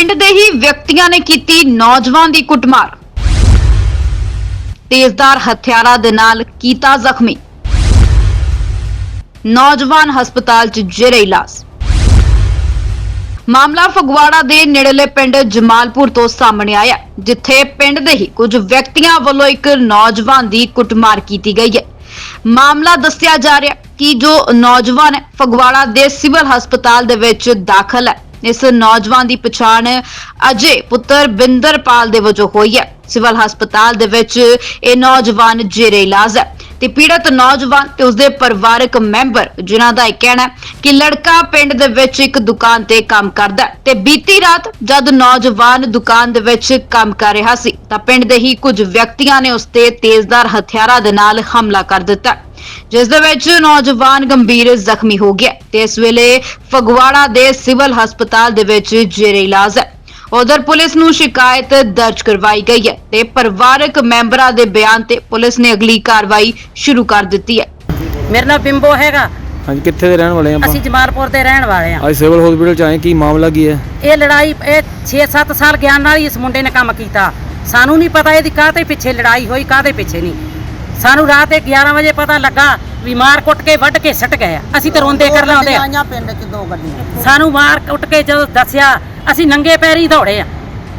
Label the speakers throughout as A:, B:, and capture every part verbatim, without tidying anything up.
A: ਪਿੰਡ ਦੇ ਹੀ ਵਿਅਕਤੀਆਂ ਨੇ ਕੀਤੀ ਨੌਜਵਾਨ ਦੀ ਕੁੱਟਮਾਰ। ਤੇਜ਼ਧਾਰ ਹਥਿਆਰਾਂ ਦੇ ਨਾਲ ਕੀਤਾ ਜ਼ਖਮੀ। ਨੌਜਵਾਨ ਹਸਪਤਾਲ 'ਚ ਜੇਰੇ ਇਲਾਜ। ਮਾਮਲਾ ਫਗਵਾੜਾ ਦੇ ਨੇੜਲੇ ਪਿੰਡ ਜਮਾਲਪੁਰ ਤੋਂ ਸਾਹਮਣੇ ਆਇਆ, ਜਿੱਥੇ ਪਿੰਡ ਦੇ ਹੀ ਕੁਝ ਵਿਅਕਤੀਆਂ ਵੱਲੋਂ ਇੱਕ ਨੌਜਵਾਨ ਦੀ ਕੁੱਟਮਾਰ ਕੀਤੀ ਗਈ ਹੈ। ਮਾਮਲਾ ਦੱਸਿਆ ਜਾ ਰਿਹਾ ਕਿ ਜੋ ਨੌਜਵਾਨ ਹੈ ਫਗਵਾੜਾ ਦੇ ਸਿਵਲ ਹਸਪਤਾਲ ਦੇ ਵਿੱਚ ਦਾਖਲ ਹੈ। ਇਸ ਨੌਜਵਾਨ ਦੀ ਪਛਾਣ ਅਜੇ ਪੁੱਤਰ ਬਿੰਦਰਪਾਲ ਦੇ ਵਜੋਂ ਹੋਈ ਹੈ। ਸਿਵਲ ਹਸਪਤਾਲ ਦੇ ਵਿੱਚ ਇਹ ਨੌਜਵਾਨ ਜੇਰੇ ਇਲਾਜ ਹੈ ਤੇ ਪੀੜਤ ਨੌਜਵਾਨ ਤੇ ਉਸਦੇ ਪਰਿਵਾਰਕ ਮੈਂਬਰ ਜਿਨ੍ਹਾਂ ਦਾ ਇਹ ਕਹਿਣਾ ਹੈ ਕਿ ਲੜਕਾ ਪਿੰਡ ਦੇ ਵਿੱਚ ਇੱਕ ਦੁਕਾਨ ਤੇ ਕੰਮ ਕਰਦਾ ਹੈ ਤੇ ਬੀਤੀ ਰਾਤ ਜਦ ਨੌਜਵਾਨ ਦੁਕਾਨ ਦੇ ਵਿੱਚ ਕੰਮ ਕਰ ਰਿਹਾ ਸੀ ਤਾਂ ਪਿੰਡ ਦੇ ਹੀ ਕੁਝ ਵਿਅਕਤੀਆਂ ਨੇ ਉਸ ਤੇ ਤੇਜ਼ਧਾਰ ਹਥਿਆਰਾਂ ਦੇ ਨਾਲ ਹਮਲਾ ਕਰ ਦਿੱਤਾ, ਜਿਸ ਦੇ ਵਿੱਚ ਨੌਜਵਾਨ ਗੰਭੀਰ ਜ਼ਖਮੀ ਹੋ ਗਿਆ ਤੇ ਇਸ ਵੇਲੇ ਫਗਵਾੜਾ ਦੇ ਸਿਵਲ ਹਸਪਤਾਲ ਦੇ ਵਿੱਚ ਜੇਰੇ ਇਲਾਜ ਹੈ। ਉਧਰ ਪੁਲਿਸ ਨੂੰ ਸ਼ਿਕਾਇਤ ਦਰਜ ਕਰਵਾਈ ਗਈ ਹੈ ਤੇ ਪਰਿਵਾਰਕ ਮੈਂਬਰਾਂ ਦੇ ਬਿਆਨ ਤੇ ਪੁਲਿਸ ਨੇ ਅਗਲੀ ਕਾਰਵਾਈ ਸ਼ੁਰੂ ਕਰ ਦਿੱਤੀ ਹੈ।
B: ਮੇਰਾ ਨਾਮ ਬਿੰਬੋ ਹੈਗਾ।
C: ਹਾਂਜੀ, ਕਿੱਥੇ ਦੇ ਰਹਿਣ ਵਾਲੇ ਆਪਾਂ?
B: ਅਸੀਂ ਜਮਾਲਪੁਰ ਦੇ ਰਹਿਣ ਵਾਲੇ ਹਾਂ।
C: ਅੱਜ ਸਿਵਲ ਹਸਪੀਟਲ ਚ ਆਏ, ਕੀ ਮਾਮਲਾ ਕੀ ਹੈ?
B: ਇਹ ਲੜਾਈ ਇਹ ਛੇ ਸੱਤ ਸਾਲ ਗਿਆਨ ਨਾਲ ਹੀ ਇਸ ਮੁੰਡੇ ਨੇ ਕੰਮ ਕੀਤਾ। ਸਾਨੂੰ ਨਹੀਂ ਪਤਾ ਇਹਦੀ ਕਾਹਦੇ ਪਿੱਛੇ ਲੜਾਈ ਹੋਈ, ਕਾਹਦੇ ਪਿੱਛੇ ਨਹੀਂ। ਸਾਨੂੰ ਰਾਤ ਦੇ ਗਿਆਰਾਂ ਵਜੇ ਪਤਾ ਲੱਗਾ ਵੀ ਮਾਰ ਕੁੱਟ ਕੇ ਵੱਢ ਕੇ ਸੱਟ ਗਏ। ਅਸੀਂ ਤਾਂ ਰੋਂਦੇ ਕਰ ਲਾਉਂਦੇ ਆ।
D: ਪਿੰਡ 'ਚ ਦੋ ਗੱਡੀਆਂ
B: ਸਾਨੂੰ ਮਾਰ ਕੁੱਟ ਕੇ ਜਦੋਂ ਦੱਸਿਆ ਅਸੀਂ ਨੰਗੇ ਪੈਰੀ ਦੌੜੇ ਆ।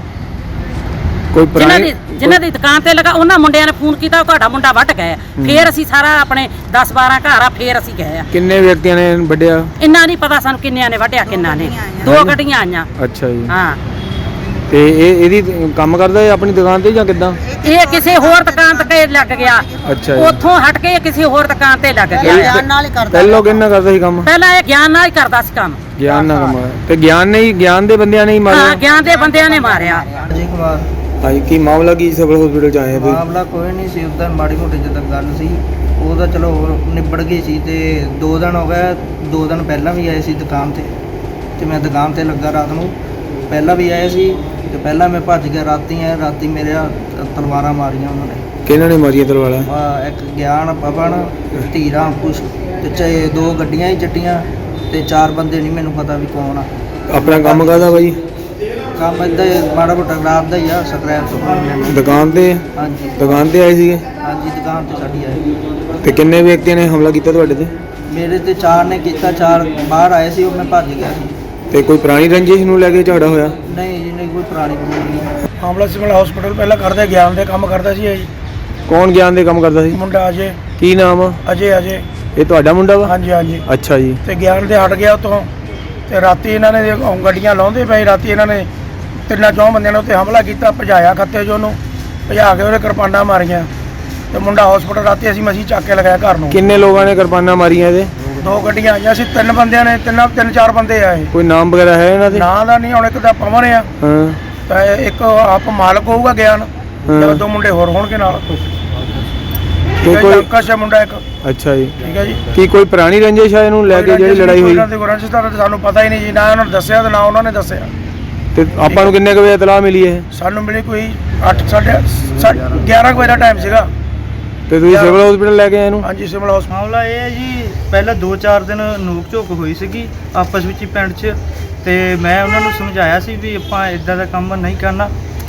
C: ਕੋਈ
B: ਜਿਨ੍ਹਾਂ
C: ਪੁਰਾਣੀ
B: ਦੀ ਜਿਨ੍ਹਾਂ ਦੀ ਦੁਕਾਨ ਤੇ ਲਗਾ ਉਹਨਾਂ ਮੁੰਡਿਆਂ ਨੇ ਫੋਨ ਕੀਤਾ, ਤੁਹਾਡਾ ਮੁੰਡਾ ਵੱਢ ਗਿਆ। ਫੇਰ ਅਸੀਂ ਸਾਰਾ ਆਪਣੇ ਦਸ ਬਾਰਾਂ ਘਰ ਆ, ਫੇਰ ਅਸੀਂ ਗਏ ਆ।
C: ਕਿੰਨੇ ਵਿਅਕਤੀਆਂ ਨੇ ਵੱਢਿਆ?
B: ਇੰਨਾ ਨਹੀਂ ਪਤਾ ਸਾਨੂੰ ਕਿੰਨਿਆਂ ਨੇ ਵੱਢਿਆ ਕਿੰਨਾ ਨੇ। ਦੋ ਗੱਡੀਆਂ ਆਈਆਂ।
C: ਅੱਛਾ ਜੀ।
B: ਹਾਂ,
C: ਤੇ ਇਹ ਇਹਦੀ ਕੰਮ ਕਰਦਾ ਹੈ ਆਪਣੀ ਦੁਕਾਨ ਤੇ ਜਾਂ ਕਿੱਦਾਂ?
B: ਇਹ ਕਿਸੇ ਹੋਰ ਦੁਕਾਨ ਤੇ ਲੱਗ ਗਿਆ।
C: ਅੱਛਾ ਜੀ।
B: ਉੱਥੋਂ ਹਟ ਕੇ ਕਿਸੇ ਹੋਰ ਦੁਕਾਨ ਤੇ ਲੱਗ ਗਿਆ।
D: ਗਿਆਨ ਨਾਲ ਹੀ ਕਰਦਾ।
C: ਪਹਿਲਾਂ ਕਿੰਨਾ ਕਰਦਾ ਸੀ ਕੰਮ?
B: ਪਹਿਲਾਂ ਇਹ ਗਿਆਨ ਨਾਲ ਹੀ ਕਰਦਾ ਸੀ ਕੰਮ।
C: ਗਿਆਨ ਨਾਲ ਕੰਮ। ਤੇ ਗਿਆਨ ਨੇ ਹੀ ਗਿਆਨ ਦੇ ਬੰਦਿਆਂ ਨੇ ਹੀ
B: ਹਾਂ,
C: ਮਾਰਿਆ?
B: ਗਿਆਨ ਦੇ ਬੰਦਿਆਂ ਨੇ ਮਾਰਿਆ।
E: ਅਜੇ ਕੁਮਾਰ।
C: ਹਾਂਜੀ, ਕੀ ਮਾਮਲਾ ਕੀ ਸਿਵਲ ਹਸਪੀਟਲ ਚ ਆਏ ਆ?
E: ਮਾਮਲਾ ਕੋਈ ਨਹੀਂ ਸੀ, ਉਦੋਂ ਮਾੜੀ ਮੋਟੀ ਜਦੋਂ ਗੱਲ ਸੀ ਉਹ ਤਾਂ ਚਲੋ ਨਿਬੜ ਗਈ ਸੀ। ਤੇ ਦੋ ਦਿਨ ਹੋ ਗਏ, ਦੋ ਦਿਨ ਪਹਿਲਾਂ ਵੀ ਆਏ ਸੀ ਦੁਕਾਨ ਤੇ ਤੇ ਮੈਂ ਦੁਕਾਨ ਤੇ ਲੱਗਾ ਰਾਤ ਨੂੰ। ਪਹਿਲਾਂ ਵੀ ਆਏ ਸੀ ਤੇ ਪਹਿਲਾਂ ਮੈਂ ਭੱਜ ਗਿਆ। ਰਾਤੀ ਆਇਆ, ਰਾਤੀ ਮੇਰੇ ਤਲਵਾਰਾਂ ਮਾਰੀਆਂ ਉਹਨਾਂ ਨੇ।
C: ਕਿਹਨਾਂ ਨੇ ਮਾਰੀਆਂ ਤਲਵਾਰਾਂ?
E: ਆਹ ਇੱਕ ਗਿਆਨ, ਪਵਨ, ਧੀਰਾ, ਕੁਛ ਤੇ ਚਾਹੇ ਦੋ ਗੱਡੀਆਂ ਹੀ ਚੱਟੀਆਂ ਤੇ ਚਾਰ ਬੰਦੇ ਨਹੀਂ ਮੈਨੂੰ ਪਤਾ ਵੀ ਕੌਣ ਆ।
C: ਆਪਣਾ ਕੰਮ ਕਰਦਾ ਬਾਈ?
E: ਕੰਮ ਏਦਾਂ ਹੀ ਮਾੜਾ ਮੋਟਾ ਖਰਾਬ ਦਾ ਹੀ ਆ, ਸਕ੍ਰੈਪ ਤੋਂ।
C: ਦੁਕਾਨ ਤੇ?
E: ਹਾਂਜੀ
C: ਦੁਕਾਨ ਤੇ ਆਏ ਸੀਗੇ?
E: ਹਾਂਜੀ, ਦੁਕਾਨ ਤੇ ਸਾਡੀ ਆਏ।
C: ਤੇ ਕਿੰਨੇ ਵਿਅਕਤੀਆਂ ਨੇ ਹਮਲਾ ਕੀਤਾ ਤੁਹਾਡੇ ਤੇ?
E: ਮੇਰੇ ਤੇ ਚਾਰ ਨੇ ਕੀਤਾ, ਚਾਰ ਬਾਹਰ ਆਏ ਸੀ, ਉਹ ਮੈਂ ਭੱਜ ਗਿਆ ਸੀ।
C: ਤੇ ਕੋਈ ਪੁਰਾਣੀ ਰੰਜਿਸ਼ ਨੂੰ ਲੈ ਕੇ ਝਗੜਾ ਹੋਇਆ?
E: ਨਹੀਂ ਜੀ, ਨਹੀਂ ਕੋਈ ਪੁਰਾਣੀ ਨਹੀਂ।
F: ਮਾਮਲਾ ਸਿਵਲ ਹਸਪੀਟਲ ਪਹਿਲਾਂ ਕਰਦਾ ਗਿਆਨ ਦੇ ਕੰਮ ਕਰਦਾ ਸੀ ਇਹ ਜੀ।
C: ਕੌਣ ਗਿਆਨ ਦੇ ਕੰਮ ਕਰਦਾ ਸੀ?
F: ਮੁੰਡਾ ਅਜੇ।
C: ਕੀ ਨਾਮ ਆ?
F: ਅਜੇ ਅਜੇ
C: ਇਹ ਤੁਹਾਡਾ ਮੁੰਡਾ ਵਾ?
F: ਹਾਂਜੀ ਹਾਂਜੀ।
C: ਅੱਛਾ ਜੀ।
F: ਤੇ ਗਿਆਨ ਦੇ ਹਟ ਗਿਆ ਉੱਥੋਂ ਤੇ ਰਾਤੀ ਇਹਨਾਂ ਨੇ ਉਹ ਗੱਡੀਆਂ ਲਾਉਂਦੇ ਪਏ। ਰਾਤੀ ਇਹਨਾਂ ਨੇ ਤਿੰਨਾਂ ਚੌਂ ਬੰਦਿਆਂ ਨੇ ਉੱਤੇ ਹਮਲਾ ਕੀਤਾ, ਭਜਾਇਆ ਖੱਤੇ 'ਚ ਉਹਨੂੰ, ਭਜਾ ਕੇ ਉਹਦੇ ਕਿਰਪਾਨਾਂ ਮਾਰੀਆਂ ਤੇ ਮੁੰਡਾ ਹਸਪੀਟਲ ਰਾਤੀ ਅਸੀਂ ਮਸੀਂ ਚੱਕ ਕੇ ਲਗਾਇਆ ਘਰ ਨੂੰ।
C: ਕਿੰਨੇ ਲੋਕਾਂ ਨੇ ਕਿਰਪਾਨਾਂ ਮਾਰੀਆਂ ਇਹਦੇ?
F: ਦੋ ਗੱਡੀਆਂ ਆਈਆਂ ਸੀ, ਤਿੰਨ ਬੰਦਿਆਂ ਨੇ, ਤਿੰਨ ਤਿੰਨ ਚਾਰ ਬੰਦੇ ਆਏ।
C: ਕੋਈ ਨਾਮ ਵਗੈਰਾ ਹੈ ਇਹਨਾਂ ਦੇ?
F: ਨਾਂ ਦਾ ਨਹੀਂ, ਹੁਣ ਇੱਕ ਦਾ ਪਵਨ ਆ
C: ਹਾਂ।
F: ਤਾਂ ਇੱਕ ਆਪ ਮਾਲਕ ਹੋਊਗਾ ਗਿਆਨ ਤੇ ਦੋ ਮੁੰਡੇ ਹੋਰ ਹੋਣਗੇ ਨਾਲ।
C: ਤੇ ਕੋਈ
F: ਅੰਕਸ਼ ਹੈ ਮੁੰਡਾ ਇੱਕ।
C: ਅੱਛਾ ਜੀ।
F: ਠੀਕ ਹੈ ਜੀ।
C: ਕੀ ਕੋਈ ਪੁਰਾਣੀ ਰੰਜਿਸ਼ ਹੈ ਇਹਨੂੰ ਲੈ ਕੇ ਜਿਹੜੀ ਲੜਾਈ ਹੋਈ?
F: ਇਹਨਾਂ ਦੇ ਰੰਜਿਸ਼ ਦਾ ਤਾਂ ਸਾਨੂੰ ਪਤਾ ਹੀ ਨਹੀਂ ਜੀ, ਨਾ ਉਹਨਾਂ ਨੇ ਦੱਸਿਆ ਤੇ ਨਾ ਉਹਨਾਂ ਨੇ ਦੱਸਿਆ।
C: ਤੇ ਆਪਾਂ ਨੂੰ ਕਿੰਨੇ ਕੁ ਵਜੇ ਇਤਲਾਹ ਮਿਲੀ ਇਹ?
F: ਸਾਨੂੰ ਮਿਲੀ ਕੋਈ ਅੱਠ ਸਾਢੇ ਗਿਆਰਾਂ ਕੁ ਵਜੇ ਦਾ ਟਾਈਮ ਸੀਗਾ।
C: ਤੇ ਤੁਸੀਂ ਸਿਵਲ ਹਸਪੀਟਲ ਲੈ ਕੇ ਆਏ ਇਹਨੂੰ?
F: ਹਾਂਜੀ, ਸਿਵਲ ਹਸਪਤਾਲ।
E: ਮਾਮਲਾ ਇਹ ਹੈ ਜੀ, ਪਹਿਲਾਂ ਦੋ ਚਾਰ ਦਿਨ ਨੋਕ ਝੋਕ ਹੋਈ ਸੀਗੀ ਆਪਸ ਵਿੱਚ ਹੀ ਪਿੰਡ 'ਚ। ਤੇ ਮੈਂ ਉਹਨਾਂ ਨੂੰ ਸਮਝਾਇਆ ਸੀ ਵੀ ਆਪਾਂ ਇਦਾਂ ਦਾ ਕੰਮ ਨਹੀਂ ਕਰਨਾ,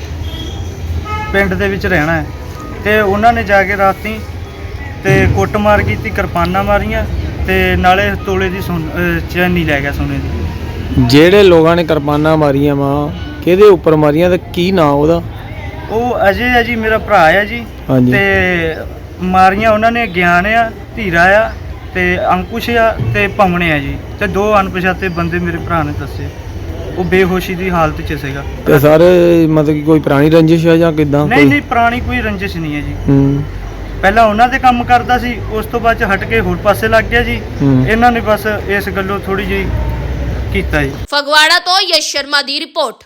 E: ਪਿੰਡ ਦੇ ਵਿੱਚ ਰਹਿਣਾ ਹੈ। ਤੇ ਉਹਨਾਂ ਨੇ ਜਾ ਕੇ ਰਾਤੀ ਤੇ ਕੁੱਟਮਾਰ ਕੀਤੀ, ਕਿਰਪਾਨਾਂ ਮਾਰੀਆਂ ਤੇ ਨਾਲੇ ਤੋਲੇ ਦੀ ਸੋਨ ਚੈਨੀ ਲੈ ਗਿਆ ਸੋਨੇ ਦੀ।
C: ਜਿਹੜੇ ਲੋਕਾਂ ਨੇ ਕਿਰਪਾਨਾਂ ਮਾਰੀਆਂ ਵਾ ਕਿਹਦੇ ਉੱਪਰ ਮਾਰੀਆਂ ਤੇ ਕੀ ਨਾਂ ਉਹਦਾ?
E: ਉਹ ਅਜੇ ਹੈ ਜੀ, ਮੇਰਾ ਭਰਾ ਹੈ ਜੀ।
C: ਹਾਂਜੀ।
E: ਤੇ ਮਾਰੀਆਂ ਉਹਨਾਂ ਨੇ ਗਿਆਨ ਆ, ਧੀਰਾ ਆ ਤੇ ਅੰਕੁਸ਼ ਆ ਤੇ ਪਵਨ ਆ ਜੀ। ਤੇ ਦੋ ਅਣਪਛਾਤੇ ਬੰਦੇ ਮੇਰੇ ਭਰਾ ਨੇ ਦੱਸੇ, ਉਹ ਬੇਹੋਸ਼ੀ ਦੀ ਹਾਲਤ 'ਚ ਸੀਗਾ।
C: ਤੇ ਸਾਰੇ ਮਤਲਬ ਕਿ ਕੋਈ ਪੁਰਾਣੀ ਰੰਜਿਸ਼ ਹੈ ਜਾਂ ਕਿਦਾਂ?
E: ਨਹੀਂ ਨਹੀਂ, ਪੁਰਾਣੀ ਕੋਈ ਰੰਜਿਸ਼ ਨਹੀਂ ਹੈ ਜੀ।
C: ਹੂੰ।
E: ਪਹਿਲਾਂ ਉਹਨਾਂ ਦੇ ਕੰਮ ਕਰਦਾ ਸੀ, ਉਸ ਤੋਂ ਬਾਅਦ 'ਚ ਹਟ ਕੇ ਹੋਰ ਪਾਸੇ ਲੱਗ ਗਿਆ ਜੀ।
C: ਹੂੰ।
E: ਇਹਨਾਂ ਨੇ ਬਸ ਇਸ ਗੱਲੋਂ ਥੋੜੀ ਜਿਹੀ ਕੀਤਾ ਜੀ।
G: ਫਗਵਾੜਾ ਤੋਂ ਯਸ਼ ਸ਼ਰਮਾ ਦੀ ਰਿਪੋਰਟ।